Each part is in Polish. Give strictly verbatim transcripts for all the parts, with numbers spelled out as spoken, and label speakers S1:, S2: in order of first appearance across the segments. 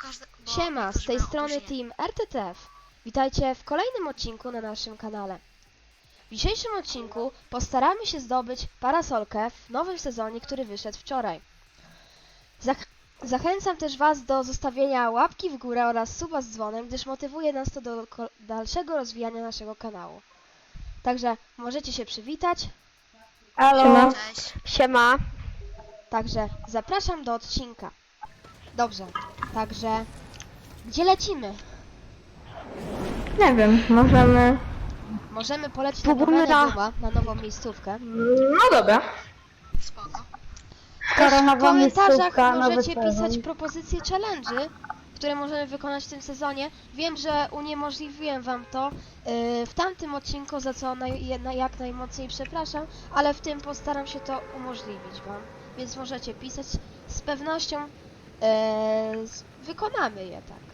S1: każde... bo
S2: Siema, z
S1: niektórzy
S2: tej
S1: mają
S2: strony
S1: opóźnienie.
S2: Team R T T F. Witajcie w kolejnym odcinku na naszym kanale. W dzisiejszym odcinku postaramy się zdobyć parasolkę w nowym sezonie, który wyszedł wczoraj. Zach zachęcam też Was do zostawienia łapki w górę oraz suba z dzwonem, gdyż motywuje nas to do dalszego rozwijania naszego kanału. Także możecie się przywitać.
S3: Halo,
S1: Cześć.
S3: siema.
S2: Także zapraszam do odcinka. Dobrze, także gdzie lecimy?
S3: Nie wiem, możemy...
S2: Możemy polecieć na
S3: Spróbujmy
S2: domenę
S3: na-
S2: Duma, na nową miejscówkę.
S3: No dobra.
S1: Spoko.
S3: Skoro
S2: W
S3: nowa
S2: komentarzach
S3: miejscówka, nowy
S2: możecie pisać
S3: sezon.
S2: propozycje challenge'y, które możemy wykonać w tym sezonie. Wiem, że uniemożliwiłem wam to yy, w tamtym odcinku, za co naj, na, jak najmocniej przepraszam, ale w tym postaram się to umożliwić wam. Więc możecie pisać, z pewnością yy, z, wykonamy je, tak.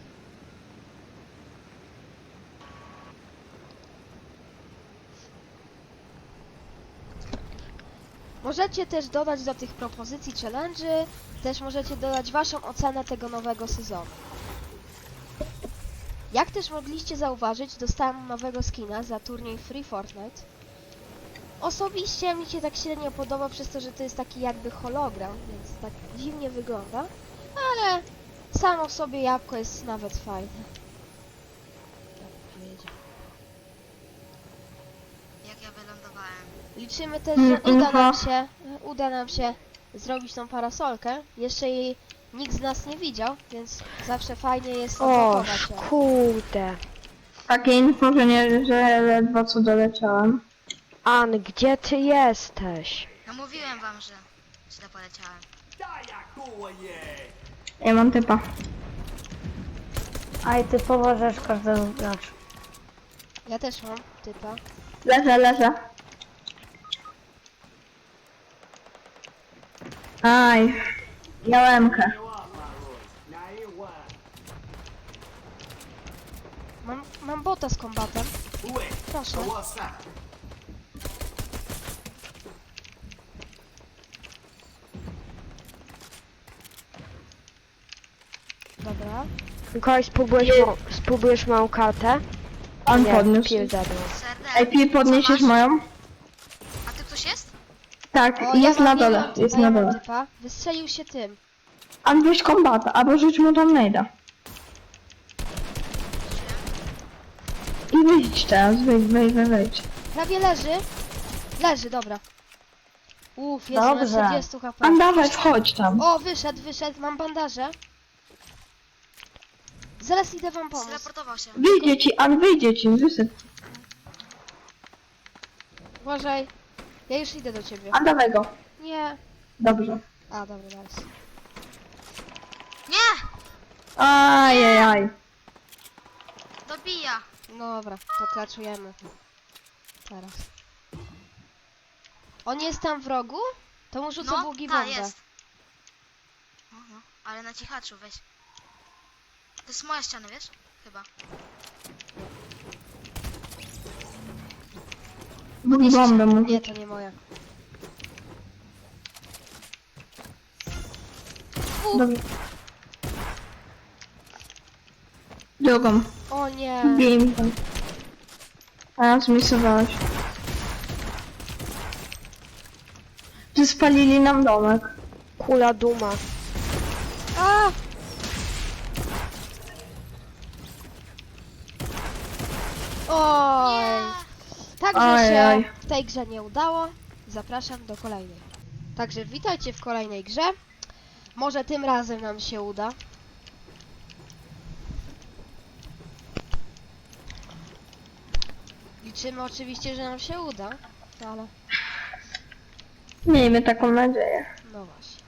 S2: Możecie też dodać do tych propozycji challenge'y, też możecie dodać waszą ocenę tego nowego sezonu. Jak też mogliście zauważyć, dostałem nowego skina za turniej Free Fortnite. Osobiście mi się tak średnio podoba przez to, że to jest taki jakby hologram, więc tak dziwnie wygląda, ale samo w sobie jabłko jest nawet fajne. Tak powiedział.
S1: Jak ja wylądowałem.
S2: Liczymy też,
S3: Mm,
S2: że uda nam
S3: info.
S2: się, uda nam się zrobić tą parasolkę. Jeszcze jej nikt z nas nie widział, więc zawsze fajnie jest
S3: O,
S2: odblokować ją.
S3: kurde.
S4: Takie info, że nie, że ledwo co doleciałem.
S3: An, gdzie ty jesteś?
S1: No mówiłem wam, że źle poleciałem.
S4: Ja mam typa.
S5: Aj, ty pomożesz każdemu graczu.
S2: Ja też mam typa.
S4: Leżę, leżę. Aj. Miałemkę.
S2: Mam, mam bota z kombatem. Proszę. Dobra.
S3: Mikołaj, spróbujesz, ma spróbujesz małą kartę?
S4: On
S3: Nie,
S4: podniósł.
S3: pil zadał.
S1: Serdel.
S4: Ej, Pi, podniesiesz
S1: co masz?
S4: moją?
S1: A ty ktoś jest?
S4: Tak,
S2: O,
S4: jest
S2: ja
S4: na
S2: mam,
S4: dole,
S2: ja mam typa,
S4: jest
S2: ja
S4: na
S2: mam
S4: dole.
S2: typa. Wystrzelił się tym.
S4: On weź kombata, albo rzuć mu tam najda. I wyjdź teraz, wyjdź, wyjdź, wyjdź, wyjdź.
S2: Prawie leży. Leży, dobra. Uff, jest na
S5: Dobrze.
S2: czterdzieści H P.
S4: An, dawaj, wchodź tam.
S2: O, wyszedł, wyszedł, mam bandaże. Zaraz idę wam pomóc.
S1: Zreportował się.
S4: Wyjdzie ci, An, wyjdzie ci, wysyp.
S2: Uważaj. Ja już idę do ciebie.
S4: An, dawaj go.
S2: Nie.
S4: Dobrze.
S2: A, dobra, nice.
S1: Nie!
S4: Ajajaj.
S1: Dobija.
S2: Dobra, to klaczujemy. Teraz. On jest tam w rogu? To mu rzucę
S1: No,
S2: bugi
S1: ta,
S2: bombę.
S1: jest. No, no, ale na cichaczu weź. To jest moja ściana, wiesz? Chyba.
S4: Bugi bombę mu.
S2: Nie, to nie moja.
S4: Dobrze. Drugą.
S2: O nie.
S4: Bij mi tam. A, zmisowałeś. Że spalili nam domek.
S3: Kula duma.
S2: A! Oj. Także się
S4: Ojej.
S2: w tej grze nie udało. Zapraszam do kolejnej. Także witajcie w kolejnej grze. Może tym razem nam się uda. Liczymy oczywiście, że nam się uda, ale
S4: Miejmy taką nadzieję.
S2: no właśnie.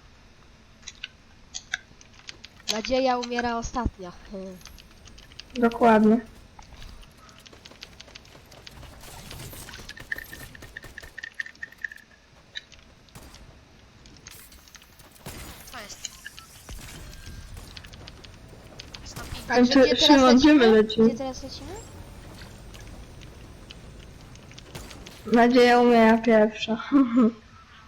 S2: Nadzieja umiera ostatnia. Hmm.
S4: Dokładnie.
S1: To jest. Stopi.
S2: Także
S4: Czy-
S2: gdzie teraz
S4: Szymon, gdzie my
S2: lecimy?
S4: lecimy?
S2: Gdzie teraz lecimy?
S4: Nadzieja umiera pierwsza.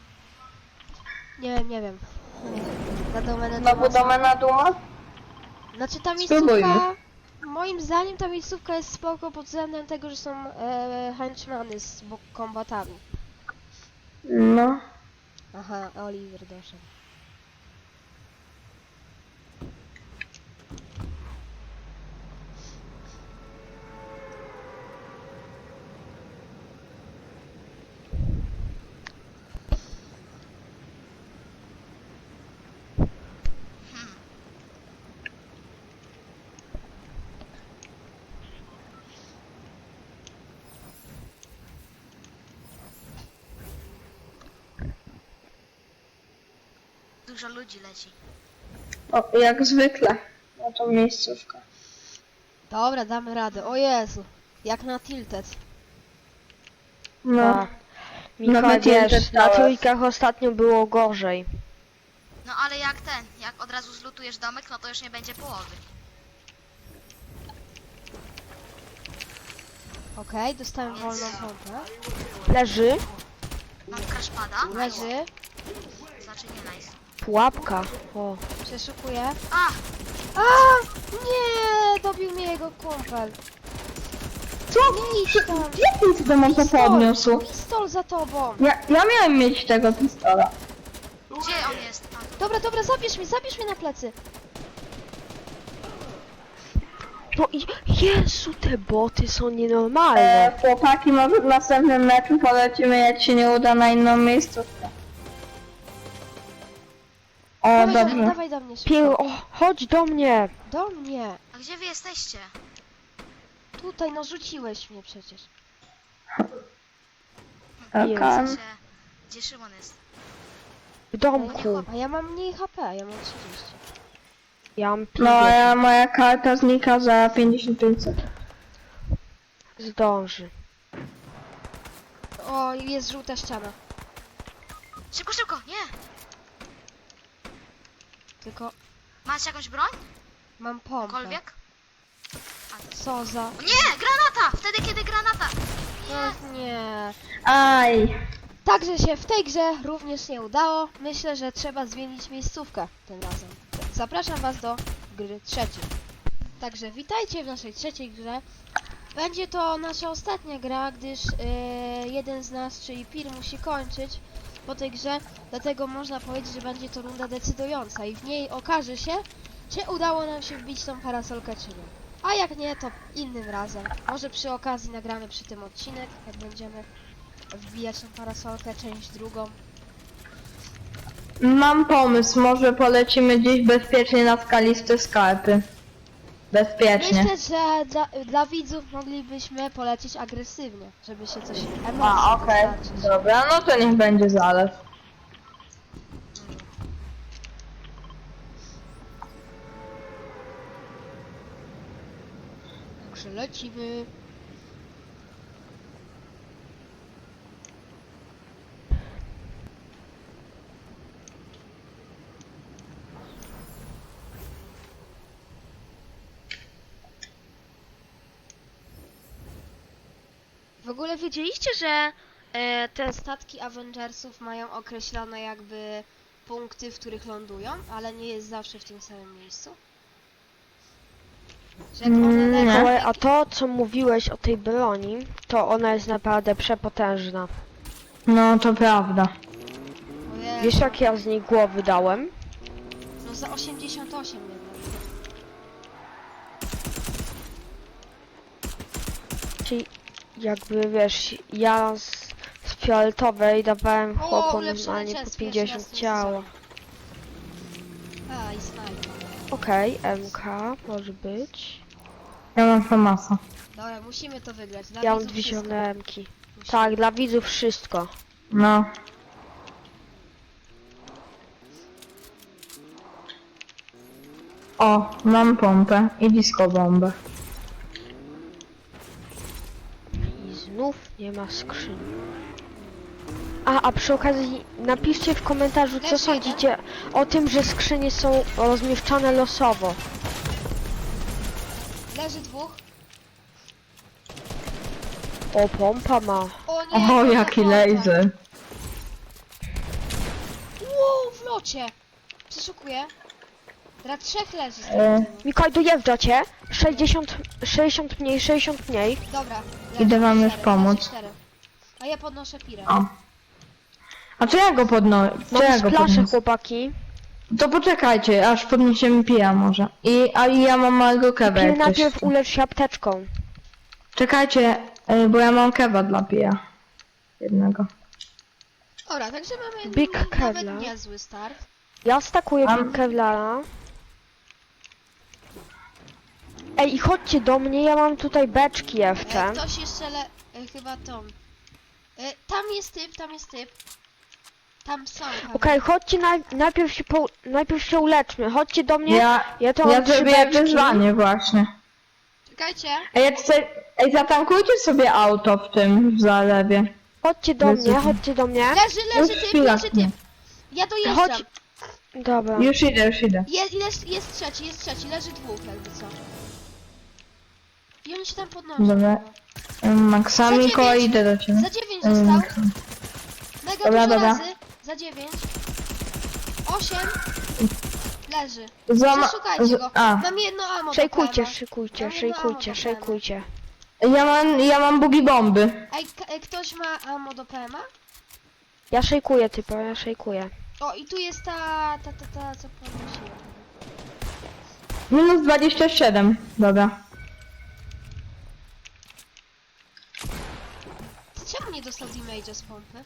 S2: Nie wiem, nie wiem. Na domenę
S4: Znowu
S2: Duma.
S4: domena duma?
S2: Znaczy ta
S4: Spróbujmy.
S2: miejscówka, moim zdaniem ta miejscówka jest spoko pod względem tego, że są e, henchmany z bo- kombatami.
S4: No.
S2: Aha, Oliver doszedł.
S1: Dużo ludzi leci.
S4: O, jak zwykle. Na tą miejscówkę.
S2: Dobra, damy radę. O Jezu, jak na Tilted.
S4: No.
S3: Tak. Michał,
S4: Nawet
S3: wiesz,
S4: Tilted
S3: na
S4: Towers.
S3: trójkach ostatnio było gorzej.
S1: No ale jak ten, jak od razu zlutujesz domek, no to już nie będzie połowy.
S2: Okej, dostałem wolną pompę.
S3: Leży,
S1: Mam crashpada.
S2: Leży,
S1: Znaczy nie nice.
S3: pułapka. O,
S2: przeszukuję.
S1: A!
S2: A! Nie! Dobił mnie jego kumpel.
S4: Co?
S2: Nie idź tam.
S4: Jak ty to mam to podniósł?
S2: Pistol za tobą.
S4: Ja, ja miałem mieć tego pistola.
S1: Gdzie on jest? A,
S2: Dobra, dobra, zabierz mi, zabierz mnie na plecy.
S3: no i Jezu, te boty są nienormalne.
S4: E, chłopaki, może w następnym meczu polecimy, jak się nie uda, na inną miejscówkę. O,
S2: Dawaj,
S4: dobrze.
S2: dawaj do mnie
S3: Pier...
S2: szybko.
S3: O, chodź do mnie.
S2: Do mnie.
S1: a gdzie wy jesteście?
S2: Tutaj, no rzuciłeś mnie przecież.
S4: Okej.
S1: W sensie, gdzie Szymon jest?
S3: W domku.
S2: A ja mam mniej H P, ja mam trzydzieści.
S3: Ja mam
S4: No, a
S3: pięćdziesiąt.
S4: ja, moja karta znika za pięćdziesiąt pięć sekund.
S3: Zdąży.
S2: O, jest żółta ściana.
S1: Szybko, szybko, nie!
S2: Tylko
S1: Masz jakąś broń?
S2: mam pompę.
S1: Kolwiek?
S2: Co za...
S1: O nie! Granata! Wtedy kiedy granata!
S2: Ach, nie.
S4: Aj.
S2: Także się w tej grze również nie udało. Myślę, że trzeba zmienić miejscówkę tym razem. Zapraszam was do gry trzeciej. Także witajcie w naszej trzeciej grze. Będzie to nasza ostatnia gra, gdyż yy, jeden z nas, czyli Pir, musi kończyć po tej grze. Dlatego można powiedzieć, że będzie to runda decydująca i w niej okaże się, czy udało nam się wbić tą parasolkę, czy nie. A jak nie, to innym razem. Może przy okazji nagramy przy tym odcinek, jak będziemy wbijać tą parasolkę, część drugą.
S4: Mam pomysł, może polecimy gdzieś bezpiecznie na skaliste skarpy. Bezpiecznie.
S2: Myślę, że dla, dla widzów moglibyśmy polecić agresywnie, żeby się coś emocji
S4: A, okej.
S2: dostarczyć.
S4: Dobra, no to niech będzie zalew.
S2: Także lecimy. W ogóle wiedzieliście, że e, te statki Avengersów mają określone jakby punkty, w których lądują, ale nie jest zawsze w tym samym miejscu? Że jak one
S4: Mm,
S2: lecą,
S4: nie.
S3: Mikołaj, a to, co mówiłeś o tej broni, to ona jest naprawdę przepotężna.
S4: No, to prawda.
S2: Ojej,
S3: Wiesz, jak ja z niej głowy dałem?
S2: no za osiemdziesiąt osiem jednak.
S3: Czyli jakby, wiesz, ja z, z fioletowej dawałem
S2: O,
S3: chłopom
S2: ulepszony
S3: normalnie
S2: chest,
S3: po
S2: pierwszy
S3: pięćdziesiąt
S2: raz w tym
S3: ciało.
S2: A, i snajper.
S3: Okej, M K może być.
S4: Ja mam famasa.
S2: Dobra, musimy to wygrać. Dla
S3: Ja mam
S2: widzów
S3: dwie
S2: wszystko.
S3: zielone M-ki.
S2: Musimy.
S3: Tak, dla widzów wszystko.
S4: No. O, mam pompę i disco bombę.
S3: I znów nie ma skrzyni. A, a przy okazji napiszcie w komentarzu, co
S2: Też
S3: sądzicie o tym, że skrzynie są rozmieszczane losowo.
S2: Leży dwóch.
S3: O, pompa ma.
S2: O nie,
S4: O,
S2: to
S4: jaki
S2: za
S4: laser.
S2: Wow, w locie. Przeszukuję. Teraz trzech leży z
S4: E.
S2: tego.
S3: Mikołaj, dojeżdża cię. sześćdziesiąt, sześćdziesiąt mniej, sześćdziesiąt mniej.
S2: Dobra.
S4: Idę wam już
S2: cztery,
S4: pomóc.
S2: leży cztery. A ja podnoszę pirę.
S4: O. A co ja go podnoszę? Co ja
S3: Mam
S4: go
S3: splaszę,
S4: podniosę?
S3: chłopaki.
S4: To poczekajcie, aż podniesiemy pija może. I, a i ja mam małego kewa,
S3: Pil
S4: jak ktoś
S3: najpierw
S4: chce.
S3: ulecz się apteczką.
S4: Czekajcie, y, bo ja mam kewa dla pija. Jednego.
S2: Dobra, także mamy
S3: Big
S2: n- nawet
S3: Kevlar.
S2: niezły start.
S3: Ja stakuję
S4: Mam-
S3: Kevlara. Ej, i chodźcie do mnie, ja mam tutaj beczki jeszcze.
S2: E, ktoś jeszcze le... E, chyba tą. E, tam jest typ, tam jest typ. Tam są.
S3: Okej, chodźcie naj, najpierw się po, najpierw się uleczmy. Chodźcie do mnie.
S4: Ja,
S3: Ja to
S4: ja
S3: mam trzy
S4: zrobię
S3: beczki.
S4: wyzwanie właśnie.
S2: Czekajcie.
S4: Ej, ja tutaj, ej, zatankujcie sobie auto w tym w zalewie.
S3: Chodźcie do
S4: Jezu.
S3: mnie, chodźcie do mnie.
S2: Leży, leży
S4: Już
S2: typ,
S4: chwila.
S2: leży typ. Ja dojeżdżam.
S3: Chodź. Dobra.
S4: Już idę, już idę.
S2: Je, jest, jest trzeci, jest trzeci, leży dwóch jakby co. I oni się tam podnoszą.
S4: Dobra. Maksami,
S2: Za
S4: Mikołaj,
S2: dziewięć.
S4: idę do ciebie.
S2: Za dziewięć
S4: Ym,
S2: został. Mega
S4: Dobra,
S2: dużo
S4: dobra.
S2: razy. Za dziewięć. Osiem. Leży.
S4: Zama-
S2: Przeszukajcie
S4: z-
S2: go.
S4: A,
S2: Mam jedno ammo do
S3: Szejkujcie,
S2: P M a.
S3: szykujcie,
S2: Mam jedno
S3: szejkujcie,
S2: ammo do
S3: szejkujcie.
S4: ja mam, ja mam bugi bomby.
S2: Ej, k- e, ktoś ma ammo do P M a?
S3: Ja szejkuję typa, ja szejkuję.
S2: O, i tu jest ta, ta, ta, ta, co podnosiłem.
S4: Minus dwadzieścia siedem. Dobra.
S2: Czemu nie dostał damage'a z pompy?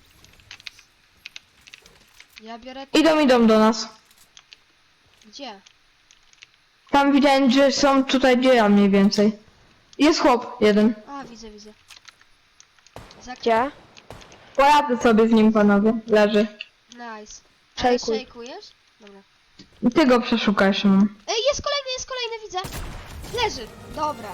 S2: Ja biorę...
S4: Idą, idą do nas.
S2: Gdzie?
S4: Tam widziałem, że są tutaj, gdzie ja mniej więcej. Jest chłop, jeden.
S2: A, widzę, widzę. Za...
S3: Gdzie?
S4: Poradzę sobie z nim, panowie. Leży.
S2: Nice. Ale
S3: Szejkuj.
S2: szejkujesz? Dobra.
S4: Ty go przeszukaj, Szymon.
S2: Ej, jest kolejny, jest kolejny, widzę. Leży. Dobra.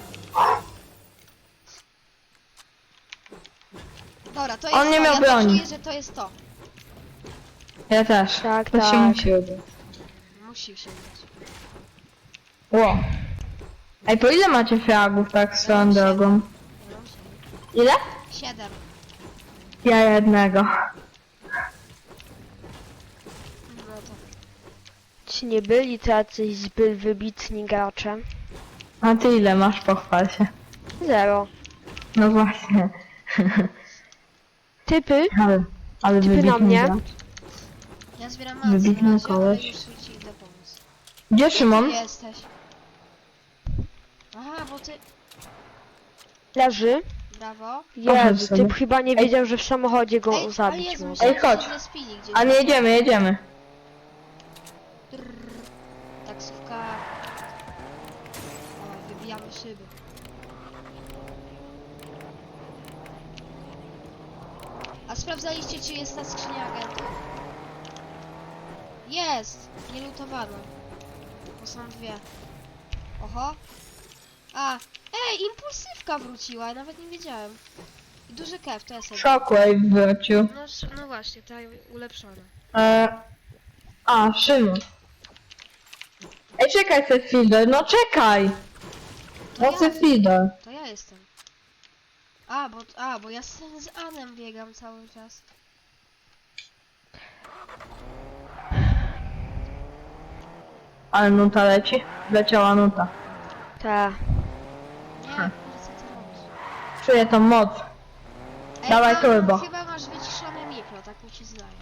S2: Dobra, to jest
S4: On nie
S2: to.
S4: miał
S2: ja
S4: broni.
S2: czuję, że to jest to.
S4: Ja też.
S3: Tak,
S4: to się
S3: tak.
S4: musi udać.
S2: Musi się udać.
S4: Ło. Ej, po ile macie fragów tak swoją drogą?
S2: Ja mam siedem.
S4: Ile?
S2: Siedem.
S4: Ja jednego.
S2: No to.
S3: Ci nie byli tacy zbyt wybitni gracze.
S4: A ty ile masz, pochwal się.
S3: Zero.
S4: No właśnie.
S3: Typy?
S4: Ale, ale
S3: Typy na
S4: wybitny
S3: mnie.
S4: gracz.
S2: Ja zbieram masę
S4: Wybitny
S2: na razie, ale
S4: koleś.
S2: już ci idę pomóc.
S4: Gdzie
S2: Ty
S4: Szymon?
S2: jesteś. Aha, bo ty...
S3: Leży.
S2: Brawo.
S3: Jezu,
S4: sobie.
S3: typ chyba nie
S4: Ej.
S3: wiedział, że w samochodzie go
S2: Ej, ale
S3: zabić
S2: Jezu,
S3: może.
S2: myślałem,
S4: Ej, chodź.
S2: że zespili gdzieś.
S4: A nie jedziemy, jedziemy.
S2: Trrr. Taksówka. O, wybijamy szyby. A sprawdzaliście, czy jest ta skrzynia agentów? Jest! Nie lutowano. Bo są dwie. Oho. A! Ej, impulsywka wróciła, ja nawet nie wiedziałem. I duży kew, to jest
S4: Shockwave wrócił.
S2: No, sz- no właśnie, ta ulepszona.
S4: E... A, Szymon. Ej, czekaj, Sefido, no czekaj!
S2: To
S4: No
S2: ja,
S4: Sefido.
S2: to ja jestem. A, bo, a, bo ja z, z Anem biegam cały czas.
S4: Ale nuta leci? Leciała nuta.
S3: Ta.
S2: Nie,
S4: Hmm.
S2: co ty robisz?
S4: Czuję tą moc.
S2: Ej,
S4: Dawaj
S2: mam-
S4: turbo.
S2: Chyba masz wyciszone mikro, tak mi się zdaje.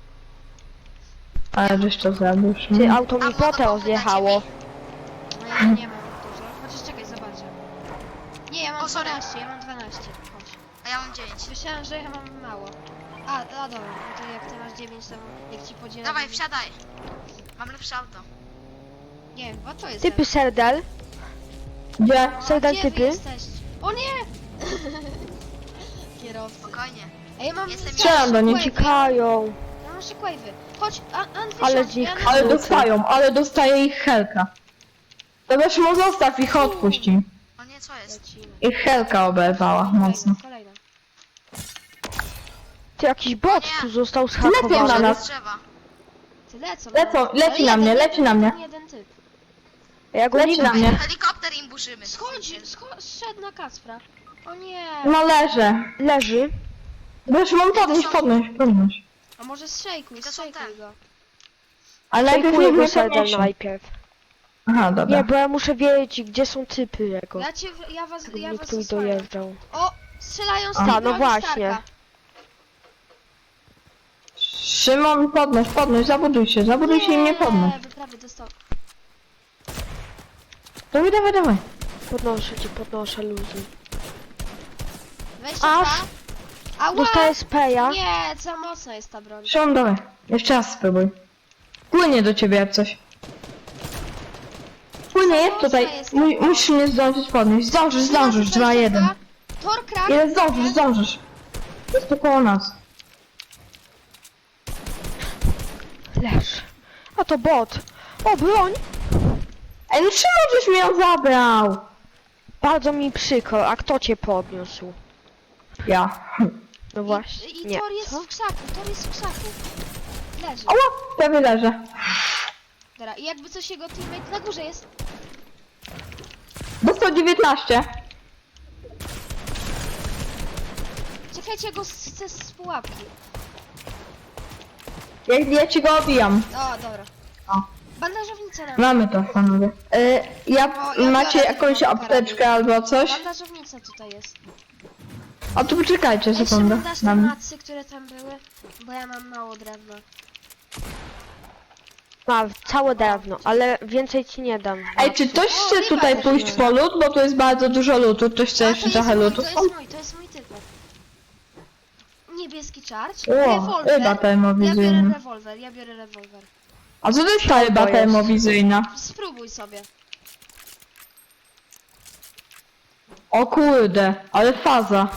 S4: Ale żeś to zrobił,
S3: Ty,
S4: Szymon.
S3: auto mi potę zjechało.
S2: No ja nie mam dużo. Chociaż czekaj, zobaczę. Nie, ja mam
S1: O, sorry.
S2: dwanaście, ja mam dwanaście. Chodź.
S1: A ja mam dziewięć.
S2: Myślałem, że ja mam mało. A, a dobra, no to jak ty masz dziewięć, to jak ci podzielę...
S1: Dawaj, wsiadaj. Mam lepsze auto.
S2: Nie, chyba to jest...
S3: Typy serdel.
S4: Gdzie?
S2: O,
S3: są tam
S2: gdzie wy
S3: typy?
S2: jesteście? O nie! Kierowcy.
S1: Spokojnie.
S2: Ej, ja mam...
S1: Jestem
S4: Strzelam do nich.
S3: Uciekają.
S2: Ja mam shockwave'y. Chodź, a, An,
S3: Ale
S2: wysiądź,
S3: z nich
S2: ja na-
S4: Ale
S3: Kurde.
S4: dostają, ale dostaje ich Helka. Dobra, Szymon, zostaw ich, odpuść im.
S1: O nie, co jest?
S2: Lecimy.
S4: Ich Helka oberwała mocno.
S2: Kolejna, kolejna.
S3: Ty, jakiś bot
S1: Nie.
S3: tu został
S4: Lecą na
S3: zhakowany.
S4: nas.
S1: Z drzewa.
S2: Ty lecą.
S4: Lecą,
S2: no.
S4: leci
S2: Ale
S4: na mnie,
S2: jeden,
S4: leci na mnie.
S2: jeden, Jeden typ.
S3: Ja go nie
S4: Leci na
S3: widzę.
S4: mnie.
S1: Helikopter im burzymy.
S2: Schodzi, scho- zszedł na Kacpra. O nie.
S4: No leżę.
S3: Leży.
S4: Dobra, Szymon, podnieś, podnieś, podnieś.
S2: A może zszejkuj,
S1: To są
S2: zszejkuj
S1: te.
S2: go.
S4: Ale najpierw
S3: Szejkuję
S4: niech
S3: go
S4: mnie
S3: serdel
S4: podniesie.
S3: najpierw.
S4: Aha, dobra.
S3: Nie, bo ja muszę wiedzieć, gdzie są typy jego.
S1: Ja cię, ja was, ja
S3: Nie
S1: was
S3: tu
S1: osłaniam.
S3: dojeżdżał.
S1: O, strzelają z
S3: A,
S1: tej
S3: no
S1: broni
S3: właśnie.
S1: Starka.
S4: Szymon, podnoś, podnoś, zabuduj się, zabuduj się i mnie podnoś.
S1: Nie, prawie dostał.
S4: Dawaj, dawaj, dawaj.
S3: Podnoszę cię, podnoszę luzy.
S1: dwadzieścia dwa.
S3: Aż
S1: Ała!
S3: dostaję speja.
S1: Nie, za mocna jest ta broń.
S4: Szymon, dawaj. Jeszcze raz spróbuj. Płynie do ciebie jak coś. Płynie, jest tutaj. Mu musisz mnie zdążyć podnieść. Zdążysz, zdążysz. dwa jeden.
S1: Tor krak.
S4: Ile zdążysz, zdążysz. Jest tu koło nas.
S3: Leż. A to bot. O, broń!
S4: Ej, no Szymon, żeś mnie ją zabrał.
S3: Bardzo mi przykro, a kto cię podniósł?
S4: Ja.
S3: No
S1: I,
S3: właśnie.
S1: i
S3: Nie.
S1: Tor jest
S3: Co?
S1: w krzaku, Tor jest w krzaku. Leży.
S4: Ała, prawie leżę.
S1: Dobra, i jakby coś jego teammate na górze jest.
S4: Dostał dziewiętnaście.
S1: Czekajcie, go chcę z pułapki.
S4: Ja, ja ci go obijam.
S1: O, dobra.
S4: O.
S1: Bandażownica nam.
S4: Mamy to, panowie. Y, ja,
S1: O, ja
S4: macie
S1: biorę
S4: jakąś
S1: tylko
S4: apteczkę albo coś?
S1: Bandażownica tutaj jest.
S4: A tu poczekajcie
S1: Ej,
S4: sekundę.
S1: Szymon, dasz te
S4: Mam.
S1: macy, które tam były? Bo ja mam mało drewna.
S3: Ma całe drewno, ale więcej ci nie dam.
S4: Ej, czy ktoś
S1: O,
S4: chce
S1: ryba
S4: tutaj
S1: też
S4: pójść
S1: jest.
S4: po lód? Bo tu jest bardzo dużo lutu. Ktoś chce
S1: A,
S4: jeszcze
S1: to
S4: trochę
S1: jest mój,
S4: lutu?
S1: to jest mój, to jest mój typek. Niebieski charge,
S4: O,
S1: rewolwer.
S4: ryba
S1: Ja biorę
S4: termowizyjna.
S1: rewolwer, ja biorę rewolwer.
S4: A co to jest ta ryba
S3: jest?
S4: termowizyjna?
S1: Spróbuj sobie.
S4: O kurde, ale faza.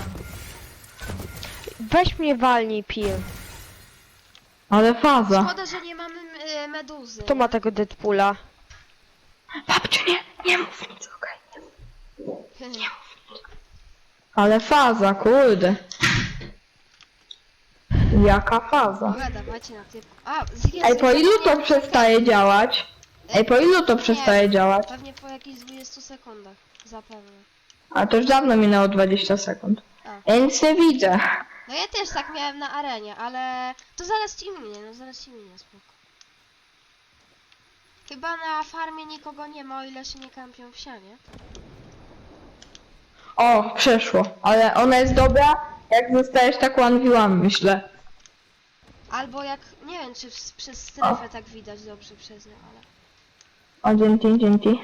S3: Weź mnie walnij, pil.
S4: Ale faza.
S1: Szkoda, że nie mamy e, meduzy.
S3: Kto ma tego Deadpoola?
S4: Babciu, nie, nie mów nic, okej. Ale faza, kurde. Jaka faza.
S1: Dobra, dawajcie na typ. A, z
S4: Ej, po ilu to przestaje działać? Ej, po ilu to przestaje działać?
S1: Pewnie po jakichś dwudziestu sekundach. Zapewne.
S4: A to już dawno minęło dwadzieścia sekund.
S1: A.
S4: Ja nic nie widzę.
S1: No ja też tak miałem na arenie, ale to zaraz ci minie, no zaraz ci minie, spoko. Chyba na farmie nikogo nie ma, o ile się nie kampią w sianie.
S4: O, przeszło. Ale ona jest dobra, jak zostajesz tak one v one, myślę.
S1: Albo jak, nie wiem czy w, przez strefę tak widać dobrze przez nią, ale...
S4: O, dzięki, dzięki.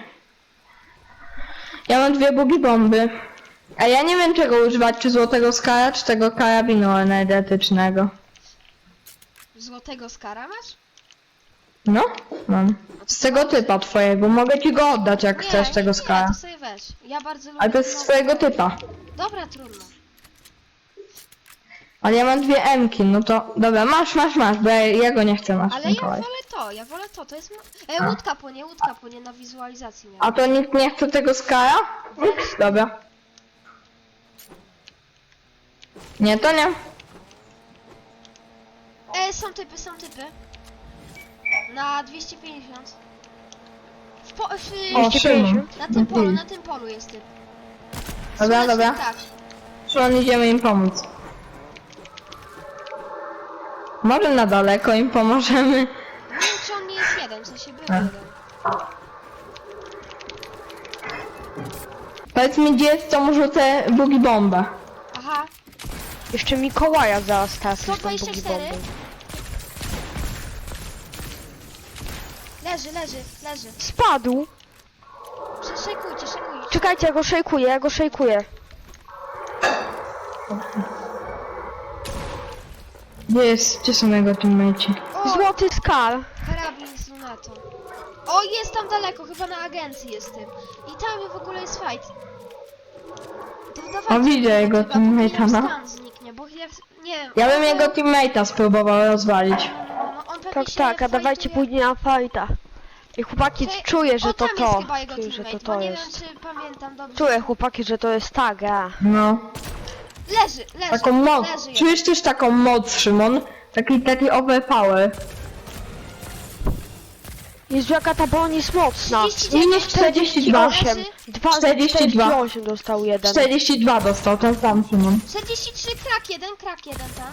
S4: Ja mam dwie bugi bomby. A ja nie wiem czego używać, czy złotego skara, czy tego karabinu energetycznego.
S1: Złotego skara masz?
S4: No, mam. Z tego typa twojego. Mogę ci go oddać, jak
S1: Nie,
S4: chcesz
S1: nie,
S4: tego
S1: nie,
S4: skara.
S1: to sobie weź. Ja bardzo lubię...
S4: Ale to jest z
S1: no-
S4: twojego typa.
S1: Dobra, trudno.
S4: Ale ja mam dwie emki, no to... Dobra, masz, masz, masz, bo ja, ja go nie chcę, masz,
S1: Ale ja
S4: Mikołaj.
S1: wolę to, ja wolę to, to jest... ma- E, łódka płynie, łódka płynie na wizualizacji miałem.
S4: A to nikt nie chce tego skara? Ups, dobra. Nie, to nie.
S1: E, są typy, są typy. Na dwieście pięćdziesiąt. W po, w,
S4: O, Szymon.
S1: na tym polu, na tym polu jest typ.
S4: Dobra,
S1: Słoneczny,
S4: dobra.
S1: Tak.
S4: Szymon, idziemy im pomóc. Może na daleko im pomożemy.
S1: Nie wiem, czy on nie jest jeden, w sensie był
S4: A.
S1: jeden.
S4: Powiedz mi, gdzie jest, to może te bugi bombę.
S1: Aha,
S3: Jeszcze Mikołaja zaraz trafisz
S1: sto
S3: tą
S1: dwadzieścia
S3: bugi
S1: cztery.
S3: bombą.
S1: leży, leży, leży.
S3: Spadł!
S1: Sze- Szejkujcie, szejkujcie.
S3: Czekajcie, ja go szejkuję, ja go szejkuję.
S4: Gdzie jest, gdzie są jego teammate'ci?
S1: O,
S3: Złoty skal!
S1: karabin z lunetą. O, jest tam daleko, chyba na agencji jest tym. I tam w ogóle jest fight. To dawajcie,
S4: O, widzę
S1: tego
S4: jego
S1: typa, póki
S4: teammate'a,
S1: nam
S4: no.
S1: stan zniknie, bo ja, nie wiem.
S4: Ja bym
S1: on-
S4: jego teammate'a spróbował rozwalić.
S1: No, no, on pewnie
S3: Tak,
S1: się
S3: tak, a dawajcie
S1: fightuje-
S3: później na fajta. I chłopaki,
S1: Czekaj,
S3: czuję, że
S1: o,
S3: to
S1: tam jest
S3: to.
S1: chyba jego
S3: Czuję, że to
S1: teammate,
S3: to
S1: bo nie
S3: jest.
S1: wiem, czy pamiętam dobrze.
S3: Czuję, chłopaki, że to jest ta gra.
S4: No.
S1: Leży, leży,
S4: Taką moc.
S1: leży jeden.
S4: Czujesz też taką moc, Szymon? Taki, taki overpower.
S3: Jezu, jaka ta broń jest mocna.
S1: trzydzieści dziewięć,
S4: Minus czterdzieści dwa.
S1: leży.
S3: Dwa,
S4: czterdzieści dwa.
S3: czterdzieści osiem dostał jeden.
S4: czterdzieści dwa dostał, ten sam Szymon.
S1: czterdzieści trzy, krak jeden, krak jeden tam.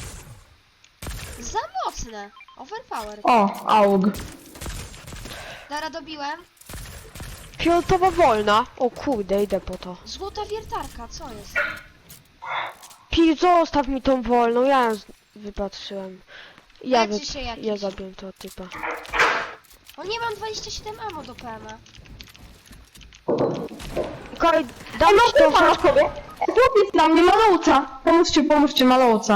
S1: Za mocne. Overpower.
S4: O, aug.
S1: Dara, dobiłem.
S3: Fioletowa wolna. O kurde, idę po to.
S1: Złota wiertarka, co jest?
S3: Pi, zostaw mi tą wolną, ja ją z- wypatrzyłem. Ja, wy...
S1: Leczy się jakiś.
S3: ja zabiję tego typa.
S1: O nie, mam dwadzieścia siedem ammo do P M a.
S3: Mikołaj, dam
S4: No
S3: ci tą
S4: to ma sobie. Chłopiec na mnie, malowca. Pomóżcie, pomóżcie, malowca.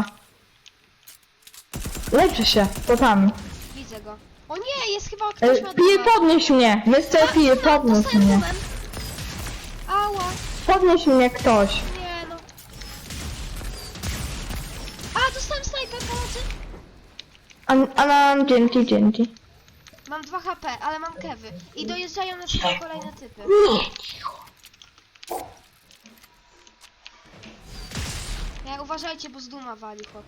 S4: Leczy się, potami.
S1: Widzę go. O nie, jest chyba ktoś
S4: E,
S1: ma
S4: Pije,
S1: duma.
S4: podnieś mnie. Wiesz co, pije, podnieś
S1: Dostałem
S4: mnie.
S1: dumem. Ała,
S4: Podnieś mnie ktoś.
S1: nie no. A, dostałem snajper, pomocy.
S4: A, a nam dzięki, dzięki.
S1: Mam dwa H P, ale mam kewy. I dojeżdżają na siebie kolejne typy. Nie, uważajcie, bo z duma wali chłop.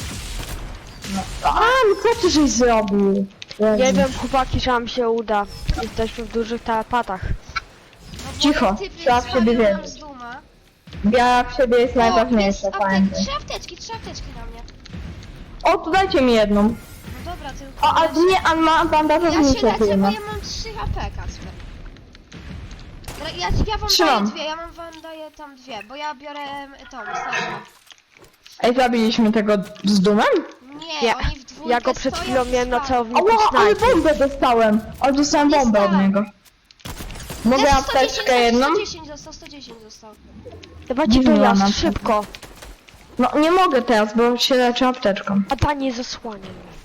S4: A, no co ty żeś zrobił?
S3: Nie wiem, chłopaki, czy nam się uda. Jesteśmy w dużych telepatach.
S1: No bo
S4: Cicho,
S1: jak typ
S4: trzeba w siebie
S1: zwalił nam
S4: wierzyć.
S1: z duma.
S4: Wiara w siebie jest
S1: O, jest
S4: najważniejsza,
S1: aptek,
S4: pamiętaj.
S1: trzy apteczki, trzy apteczki na mnie.
S4: O, tu dajcie mi jedną.
S1: No dobra, tylko...
S4: O, a
S1: ja się-
S4: nie, a ma
S1: Ja
S4: bandażownicę
S1: się lecę,
S4: chyba.
S1: bo ja mam trzy H P, Kacper. Dobra, Ja, ja wam
S4: Trzymam.
S1: daję dwie, ja mam wam daję tam dwie, bo ja biorę em, tą, snajper.
S4: Ej, zabiliśmy tego z dumem?
S1: Nie,
S3: Ja-
S1: oni w dwójkę
S3: Ja go przed
S1: stoją
S3: chwilą
S1: i
S3: miałem na
S1: spalą.
S3: celowniku
S4: O, ale
S3: snajpy.
S4: bombę dostałem. Ale dostałem
S1: Nie
S4: bombę od
S1: stałem.
S4: niego. Mogę
S1: Też
S4: apteczkę jedną?
S1: sto dziesięć dostał, sto dziesięć dostał.
S3: Dawajcie
S4: Dziwna
S3: dojazd,
S4: nam-
S3: szybko.
S4: No, nie mogę teraz, bo się leczę apteczką.
S3: A ta nie zasłania mnie.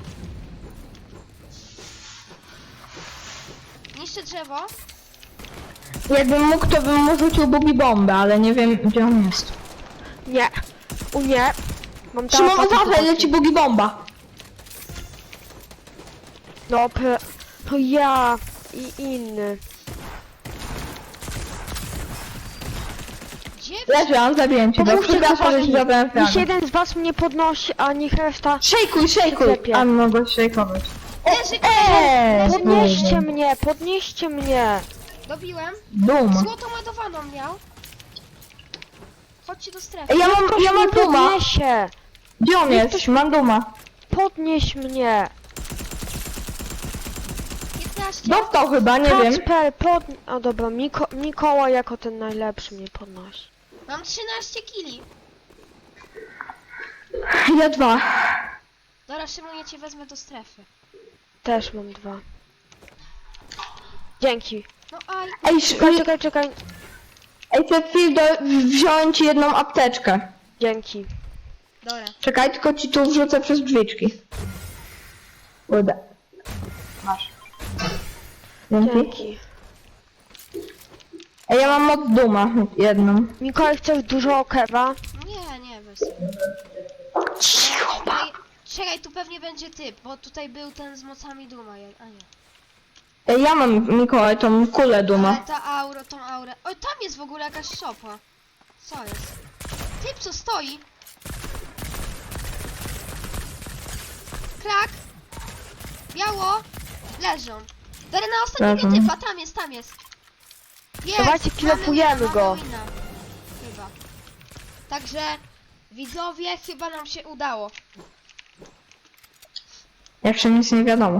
S1: Niszczę drzewo.
S4: Jakbym mógł, to bym mu rzucił bugi bombę, ale nie wiem, gdzie on jest.
S3: Nie. U nie. Mam
S4: Szymon,
S3: telepatę
S4: uważaj,
S3: chłopaki.
S4: leci bugi bomba.
S3: No, p... to ja i inny.
S1: Gdzie?
S4: Leżę, zabiję cię.
S3: Pomóżcie,
S4: Przepraszam, że
S3: chłopaki.
S4: ci zabrałem
S3: Niech
S4: flagę.
S3: jeden z was mnie podnosi, a niech reszta...
S4: Szejkuj, szejkuj.
S3: Przyklepie.
S4: A mogę szejkować.
S1: Leży,
S4: Eee,
S1: leży,
S3: Podnieście mnie, podnieście mnie.
S1: dobiłem.
S4: Duma.
S1: Złotą ładowaną miał. Chodźcie do strefy.
S4: Ej, ja mam,
S3: Ktoś
S4: ja mam
S3: mnie
S4: duma.
S3: podniesie.
S4: Gdzie on
S3: Niech
S4: jest?
S3: ktoś-
S4: Mam duma.
S3: Podnieś mnie.
S1: piętnaście.
S4: Dostał chyba, nie wiem.
S3: Kacper, pod... A dobra, Miko... Mikołaj jako ten najlepszy mnie podnosi.
S1: Mam trzynaście kili.
S4: Ja dwa.
S1: Dobra, Szymon, ja cię wezmę do strefy.
S3: Też mam dwa. Dzięki.
S1: No aj.
S4: Ej,
S3: Czekaj,
S4: sz-
S3: czekaj, czekaj.
S4: ej, Cecil, do, wziąłem ci jedną apteczkę.
S3: Dzięki.
S1: Dobra.
S4: Czekaj, tylko ci tu wrzucę przez drzwiczki. Uda. Masz. Dzięki.
S3: Dzięki.
S4: Ej, ja mam moc duma, jedną.
S3: Mikołaj, chcesz dużo kewa?
S1: Nie, nie, bez.
S4: Cicho,
S1: Czekaj, czekaj, tu pewnie będzie typ, bo tutaj był ten z mocami duma, je- a nie.
S4: Ej, ja mam, Mikołaj, tą kulę
S1: Ale
S4: duma.
S1: ta aura, tą aurę. Oj, tam jest w ogóle jakaś szopa. Co jest? Typ, co stoi? Krak. Biało. Leżą. Dobra, na ostatniego
S4: Leżą.
S1: typa, tam jest, tam jest. Jest!
S3: Dawajcie,
S1: mamy
S3: kilofujemy
S1: wina,
S3: go.
S1: mamy wina. Chyba. Także, widzowie, chyba nam się udało.
S4: Jeszcze nic nie wiadomo.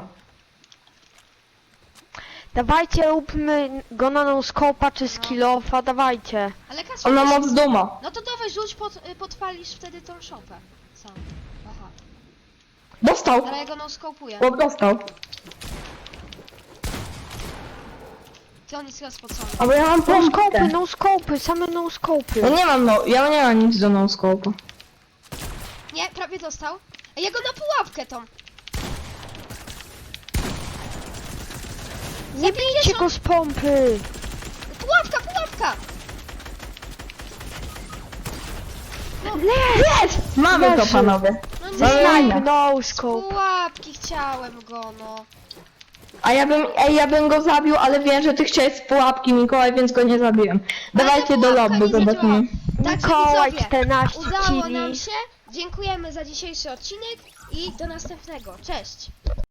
S3: Dawajcie, róbmy go na no-scope'a czy skillofa, dawajcie.
S1: Ale Kasper,
S4: On ma
S1: wiesz-
S4: moc duma.
S1: no to dawaj, rzuć, pod, y, podpalisz wtedy tą szopę. Sam. Aha.
S4: Dostał.
S1: Ale ja go no-scopuję.
S4: Chłop dostał.
S1: Ty on jest chyba spocony.
S4: A bo ja mam
S3: No-scope'y,
S4: pompkę.
S3: no-scope'y, same
S4: Ja
S3: no-scope'y.
S4: nie mam, no, ja nie mam nic do no-scope'u.
S1: Nie, prawie dostał. Ej, ja go na pułapkę tą.
S3: Nie bijcie go z pompy.
S1: Pułapka, pułapka!
S4: Jest! Mamy to,
S3: Leży.
S4: panowie.
S1: No
S4: No
S1: nie,
S4: i-
S3: Snipe,
S1: z
S3: no-scope.
S1: pułapki chciałem go, no.
S4: A ja bym, ej, ja bym go zabił, ale wiem, że ty chciałeś z pułapki, Mikołaj, więc go nie zabiłem.
S1: Ale
S4: Dawajcie
S1: ta
S4: do
S1: pułapka
S4: lobby,
S1: nie zadziałała.
S4: zobaczymy.
S1: Także
S3: Mikołaj,
S1: widzowie,
S3: czternaście
S1: udało nam
S3: kili.
S1: się. Dziękujemy za dzisiejszy odcinek i do następnego. Cześć!